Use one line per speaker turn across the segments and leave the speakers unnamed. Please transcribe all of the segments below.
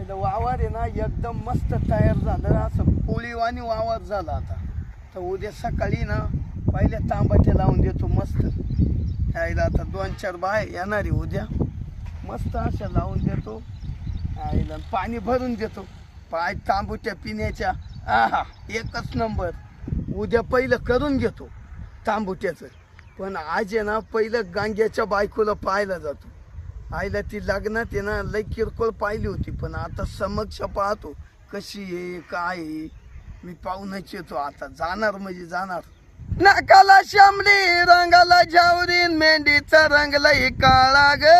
आईला वावर आहे ना एकदम मस्त तयार झालं, असं पोळीवाणी वावर झाला आता. तर उद्या सकाळी ना पहिल्या तांबाट्या लावून देतो मस्त. आईला आता 2-4 बाय येणार आहे उद्या, मस्त अशा लावून देतो. आईला पाणी भरून देतो, पाय तांबूच्या पिण्याच्या. आहा एकच नंबर. उद्या पहिलं करून घेतो तांबुट्याचं. पण आज आहे ना पहिलं गांग्याच्या बायकोला पाहायला जातो. आईला ती लग्नात आहे ना लई किरकोळ पाहिली होती, पण आता समक्ष पाहतो कशी आहे काय आहे. मी पाहूनच येतो आता, जाणार म्हणजे जाणार. नाकाला शामली रंगाला जावरीन, मेंढीचा रंगलाही काळा ग.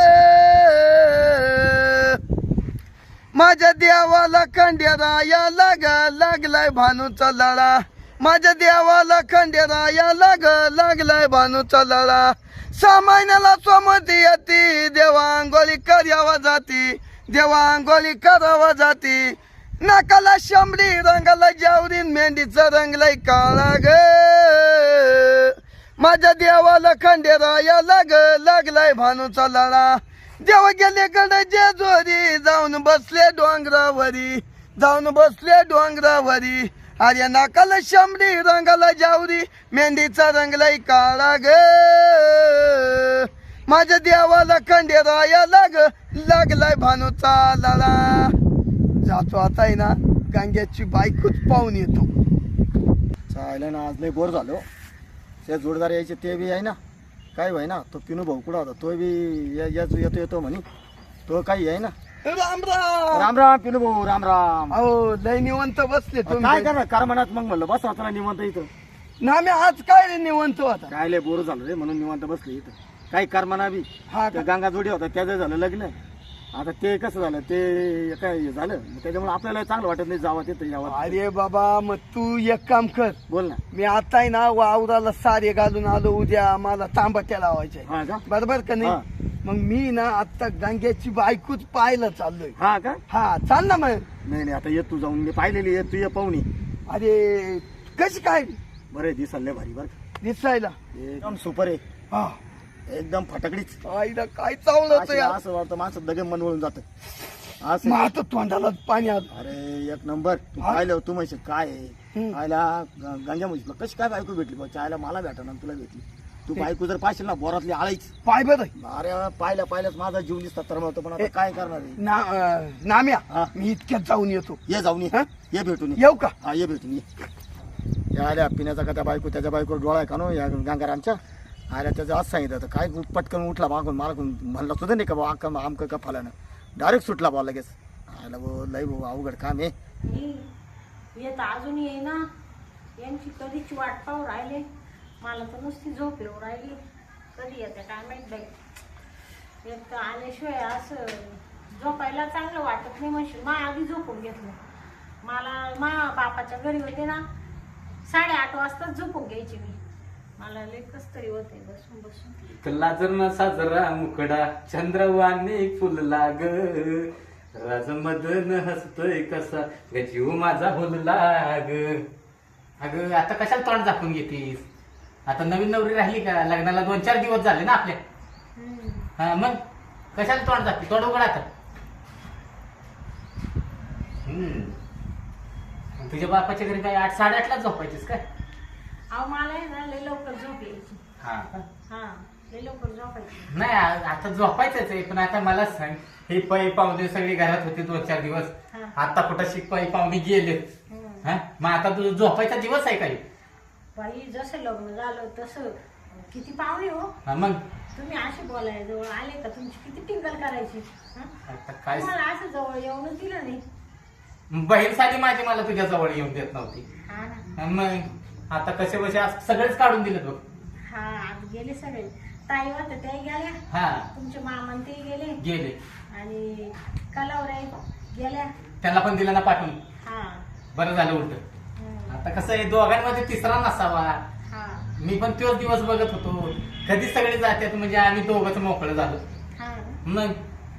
माझ्या देवाला खंडेराया लागलाय भानूचा लळा. माझ्या देवाला खंडेराया लागलाय भानूचा लळा. 6 महिन्याला सोमती येती, देवा अंघोळी करावा जाती, देवा अंघोळी करावा जाती. नाकाला शांबडी रंगाला जावरीन, मेंढीचा रंगलाय काळा ग. माझ्या देवाला खंडेराया लागलाय भानूचा लळा. देव गेले कडे जेजोरी, जाऊन बसले डोंगरावरी, जाऊन बसले डोंगरावरी. अरे नाकाला शांबडी रंगाला जावरी, मेंढीचा रंगलाय काळा ग. माझ्या देवाला खंडेराया लागलाय भानूचा लळा. जातो आता आहे ना गांग्याची बायकोच पाहून येतो.
चालेल ना, आज लय बोर झालो. ते जोडदार यायचे ते बी आहे ना, काय भाई ना तो पिनू भाऊ कुठं होता, तो बी येतो म्हणे. तो काही आहे ना.
राम राम.
राम राम पिनू भाऊ, राम राम.
अहो लय निवंत बसले
काय
तुम्ही.
करणार कार म्हणत मग म्हणलं बस आता निवांत इथं.
ना मी आज काय रे निवंत होता.
काय लय बोर झालो रे, म्हणून निवांत बसले इथं. काही करमाना बी
हा
त्या गंगा जोडी होता त्याचं झालं लग्न. आता ते कसं झालं ते काय झालं, त्याच्यामुळे आपल्याला चांगलं वाटत नाही जावं तिथं यावं.
अरे बाबा मग तू एक काम कर,
बोल ना.
मी आता आहे ना वावराला सारे घालून आलो. उद्या मला तांबट्या लावायच्या
हा का?
बरोबर का
हा.
नाही. मग मी ना आता गंग्याची बायकोच पाहायला चाललोय.
हा का?
हा चाल ना मग.
नाही आता येत तू जाऊन, मी पाहिलेली येत तू ये पाहुणी.
अरे कशी काय
बरे दिसाले भारी बर,
दिसायला
एकदम सुपर आहे,
हा
एकदम फटकडीच.
आईला काय चावलं
असं असं वाटतं माणसं दगे मन वळून जात असं.
मग आता तोंडाला पाणी आलं.
अरे एक नंबर. तू
हा?
पाहिलं तू म्हणशील काय आहे
हम्म.
आयला गांजा म्हशील कशी काय बायको भेटली बा, चायला मला भेटा तुला भेटली. तू बायको जर पाहिशील ना बोरातली आळीच.
पाय बरं
अरे पाहिल्याच माझा जीव निसता तर होतो, पण आता काय करणार आहे.
नाम्या
हा?
मी इतक्यात जाऊन येतो.
ये जाऊन ये.
हा?
ये भेटून ये.
येऊ का?
हा ये भेटून ये. या आल्या पिण्याचा का त्या बायको त्याच्या बायकोवर डोळा आहे का नो या गांगारामच्या. आल्या त्याचं असं सांगितलं तर काय पटकन उठला मागून मला म्हणलं सुद्धा नाही का बा आमकं का फलानं डायरेक्ट सुटला बा लगेच. आयला भाऊ लई भाऊ अवघड काम आहे.
येत अजून ये ना, यांची कधीची वाट पाहू राहिले. मला तर नुसती झोप येऊ राहिली, कधी येते काय माहित बाई. एक तर आल्याशिवाय असं झोपायला चांगलं वाटत नाही. म्हणशील मा आधी झोपून घेतलं. मला मा बापाच्या घरी होते ना 8:30 वाजताच झोपून घ्यायची मी. मला लय कस तरी होते बसून बसून.
लाजर साजरा मुकडा चंद्रवाने फुलला ग, राजमदन हसतोय कसा ग जीव माझा फुलला ग. अगं आता कशाला तोंड झाकून घेतीस. आता नवीन नवरी राहिली का, लग्नाला 2-4 दिवस झाले ना आपल्या. हा मग कशाला तोंड झाकते, तोंड उघड आता. तुझ्या बापाच्या घरी काय 8-8:30 झोपायचीस काय?
अहो मला आहे ना लय लवकर झोप यायची.
हा का?
हा लय लवकर झोपायची.
नाही आता झोपायचंच आहे, पण आता मला सांग, हे पै पाहुणे सगळी घरात होते 2-4 दिवस.
हा.
आता कुठं शिकपाई पाहुणे गेले. हा मग आता तुझं झोपायचा दिवस आहे काही.
बाई जसं लग्न झालं तसं किती पाहुणे हो.
हा मग
तुम्ही असे बोलाय जवळ आले का तुमची किती टिंगल करायची.
आता काय
तुम्हाला असं जवळ येऊनच दिलं नाही.
बहीण साधी माझी मला तुझ्या जवळ येऊन देत नव्हती.
हा ना.
हा, मग आता कसे बसे सगळेच काढून दिलेत बघ.
हा आज गेले सगळे. ताई होत्या त्या गेल्या,
हा
तुमचे मामन ते गेले,
गेले.
आणि कलावऱ्या गेल्या.
त्यांना पण दिला ना पाठवून.
हा
बरं झालं उलट. आता कसं आहे दोघांमध्ये तिसरा नसावा.
हा
मी पण तोच दिवस बघत होतो, कधी सगळे जातात म्हणजे आम्ही दोघंच मोकळं झालो.
हा.
मग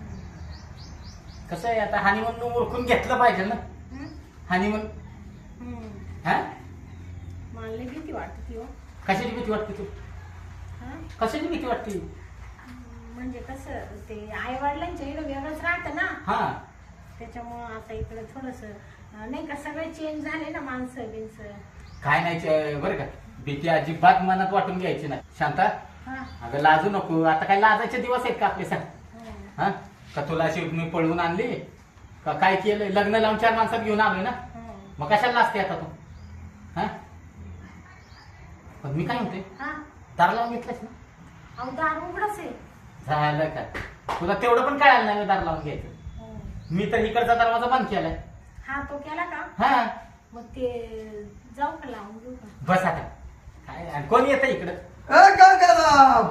कसं आहे आता हनीमून ओळखून घेतलं पाहिजे ना. हनीमून हा
मला लई भीती वाटते हो.
कशाची भीती वाटते तू?
हा?
कशाची भीती वाटते?
म्हणजे कसं ते आई वडिलांच्या इकडे वेगळंच राहतं ना.
हा
त्याच्यामुळं आता इकडे थोडस नाही का सगळे चेंज झाले ना माणसं बिनसं.
काय नाही बरं का, भीती अजिबात मनात वाटून घ्यायची नाही. शांता,
हा
अगं लाजू नको. आता काय लाजायचे दिवस आहेत का आपले? सांग.
हा,
हा, का तुला अशी मी पळवून आणली का? काय केलं? लग्न लावून 4 माणसात घेऊन आलोय ना,
हा.
मग कशाला लाजते आता तू? हा, पण मी काय म्हणते,
हा
दार लावून घेतलंस ना?
अहो दार उघडच आहे.
झालं का? तुला तेवढं पण कळालं नाही दार लावून घ्यायचं.
हो.
मी तर इकडचा दरवाजा बंद केलाय.
हा तो केला का?
हा,
मग ते जाऊ का लावून घेऊ का?
बस आता. काय आणि कोण येतं इकडं?
गंगाराम,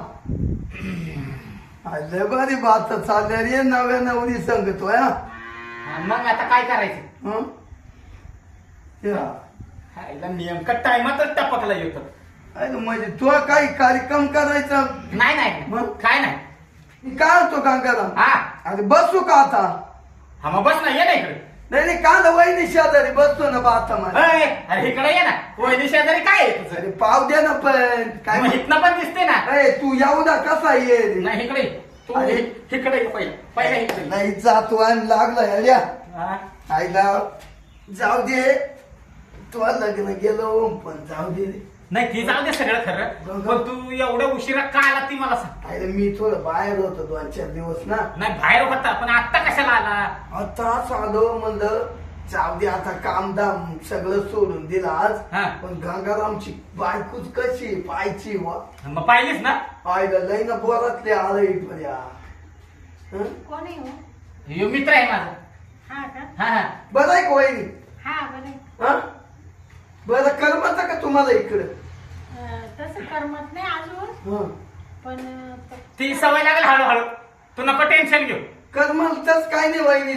लय भारी बात चालल्या रे नव्या नवरी सांगतोय.
हा, मग आता काय करायचं?
हं? या.
हायला नेमका टायमातच टपकला येतो.
अरे म्हणजे तू काही कार्यक्रम करायचा?
नाही नाही
मग?
काय नाही.
मी काय होतो गंगाराम?
हा
अरे बसू का आता?
हा, मग बस ना, ये ना इकडे.
नाही कांदा वहिनी शेजारी बसतो ना बाता मध्ये.
अय, अरे इकडे ये ना. वहिनी शेजारी काय आहे तुझं?
अरे पाव दे ना पण काय
मग इथनं पण दिसते ना.
अरे तू एवढा कसा ये रे?
नाही इकडे ये. तू
अरे.
इकडे ये पहिला पहिला इकडे ये.
नाही जातो आणि लागला ह्याल्या
हा.
आईला. जाऊ दे, तू लग्न गेलो पण जाऊ दे रे.
नाही ती जाऊ दे सगळं खरं, पण तू एवढ्या उशिरा का आला ती मला सांग.
अरे मी थोडं बाहेर होतो 2-4 दिवस ना.
नाही बाहेर होता, पण आता कशाला आला?
आता आलो म्हणलं जाऊ दे आता कामधाम सगळं सोडून दिलं आज.
हा.
पण गंगारामची बायकोच कशी पायची वा.
मग पाहिलीस ना?
आईला लई ना बोरातले आलंय पर्या.
कोण आहे हो?
ह्यो मित्र आहे माझा.
हा का?
हा हा.
बरं आहे का वहिनी?
हा बरं.
हा बरं करमत का तुम्हाला इकडं?
तसं करमत नाही अजून,
हं.
पण
ती सवय लागेल हळूहळू. तू नको टेन्शन घेऊ.
करमतच काय नाही वहिनी.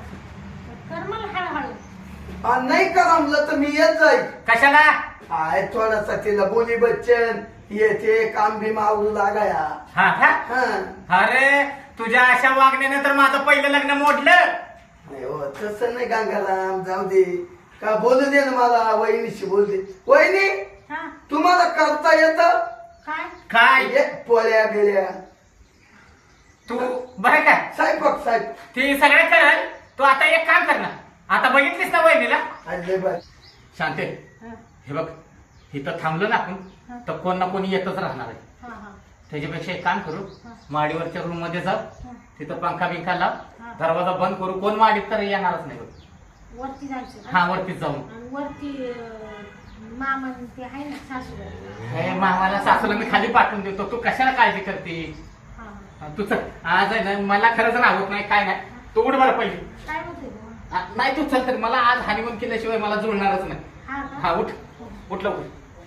करमल हळूहळू.
नाही करमलं तर मी येत जाईल.
कशाला?
आहे थोडासा तिला बोली बच्चन येते काम बी मावू लागाया.
हा का?
हं.
अरे तुझ्या अशा वागण्याने तर माझं पहिलं लग्न मोडलं.
नाही हो तसं नाही गंगाराम, जाऊ दे. का बोलू दे ना मला, वहिनीशी बोल दे. वहिनी
हा
तुम्हाला करता येतं?
काय?
काय
पोळ्या बिळ्या
तू बरं का?
साहेब
ती सगळं करल. तू आता एक काम कर ना. आता बघितलीस ना वहिनीला?
अरे बाय.
शांते,
हा
हे बघ, इथं थांबलो ना आपण
हा.
तर कोण ना कोणी येतच राहणार आहे.
हा हा
त्याच्यापेक्षा एक काम करू,
हा.
माडीवरच्या रूम मध्ये जाऊ,
हा.
तिथं पंखा बिंखा लाव,
हा.
दरवाजा बंद करू. कोण माडीत तर येणारच नाही बघ.
वरती जायचं.
हा, वरतीच जाऊन.
आणि वरती मामा ते आहे ना सासूबाई.
हे मामाला सासूला मी खाली पाठवून देतो. तू कशाला काळजी करते?
हा हा.
तू चल. आज आहे ना, मला खरंच राहत नाही काय नाही. तू उठ बरं पहिली.
काय होते मग?
नाही तू चल तर मला आज हनीमून केल्याशिवाय मला जुळणारच नाही.
हा का?
हा उठ उठ लवकर.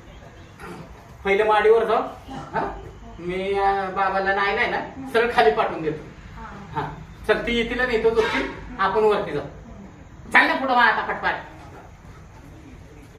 पहिले माडीवर जाऊ. हा? मी बाबाला नाही ना सरळ खाली पाठवून देतो.
हा
हा चल, ती येतील नाही तो झोपतील, आपण वरती जाऊ. चाल ना पुढं आता पटपाट.